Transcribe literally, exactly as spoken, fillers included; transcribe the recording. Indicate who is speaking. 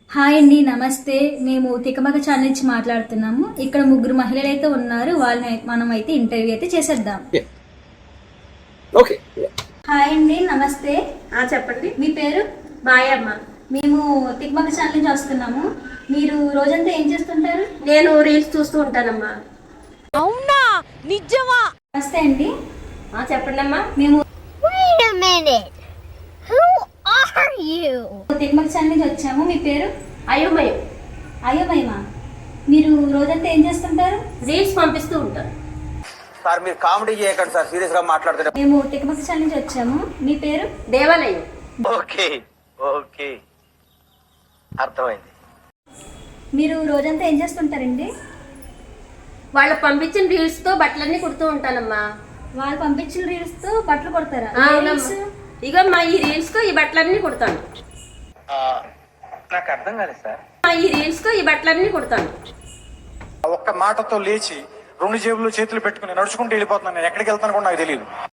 Speaker 1: Hi అండి, నమస్తే. మేము తికమక ఛానల్ నుంచి మాట్లాడుతున్నాము. ఇక్కడ ముగ్గురు మహిళలు అయితే ఉన్నారు. వాళ్ళని మనం అయితే ఇంటర్వ్యూ అయితే చేసేద్దాం.
Speaker 2: ఓకే.
Speaker 1: హాయ్ అండి, నమస్తే.
Speaker 3: ఆ చెప్పండి.
Speaker 1: మీ పేరు?
Speaker 3: మాయమ్మ.
Speaker 1: మేము తికమక ఛానల్ నుంచి వస్తున్నాము. మీరు రోజంతా ఏం చేస్తుంటారు?
Speaker 3: నేను రీల్స్ చూస్తూ ఉంటానమ్మా.
Speaker 4: అవునా, నిజమా?
Speaker 1: నమస్తే అండి.
Speaker 3: ఆ చెప్పండి అమ్మా.
Speaker 1: మేము
Speaker 4: Wait a minute. Who are you?
Speaker 1: Tikamaka channel నుంచి వచ్చాము. మీ పేరు?
Speaker 3: అయోమయం.
Speaker 1: అయ్యో మహిమా. మీరు రోజంతా ఏం చేస్తుంటారు?
Speaker 3: రీల్స్ పంపిస్తూ ఉంటాను.
Speaker 2: సార్ మీరు కామెడీ చేయకండి సార్, సీరియస్ గా మాట్లాడుతున్నారు.
Speaker 1: మేము తికమక ఛానల్ నుంచి వచ్చాము. మీ పేరు?
Speaker 3: దేవాలయం.
Speaker 2: ఓకే ఓకే అర్థమైంది.
Speaker 1: మీరు రోజంతా ఏం చేస్తుంటారండి?
Speaker 3: వాళ్ళు పంపించిన రీల్స్ తో బట్టలన్నీ కుడుతూ ఉంటానమ్మా.
Speaker 1: వాళ్ళు పంపించిన రీల్స్ తో బట్టలు కొడతారా?
Speaker 3: ఆ,
Speaker 1: ఏ
Speaker 3: అవునమ్మా.
Speaker 1: reels?
Speaker 3: ఇగమ్మా ఈ రీల్స్ తో ఈ బట్టలన్నీ కుడతాను.
Speaker 2: నాకు అర్థం కాలేదు సార్.
Speaker 3: ఆ, ఈ రీల్స్ తో ఈ బట్టలన్నీ కుడతాను.
Speaker 5: ఒక్క మాటతో లేచి రెండు జేబులు చేతులు పెట్టుకుని నడుచుకుంటూ వెళ్ళిపోతున్నాను. నేను ఎక్కడికి వెళ్తాను కూడా నాకు తెలియదు.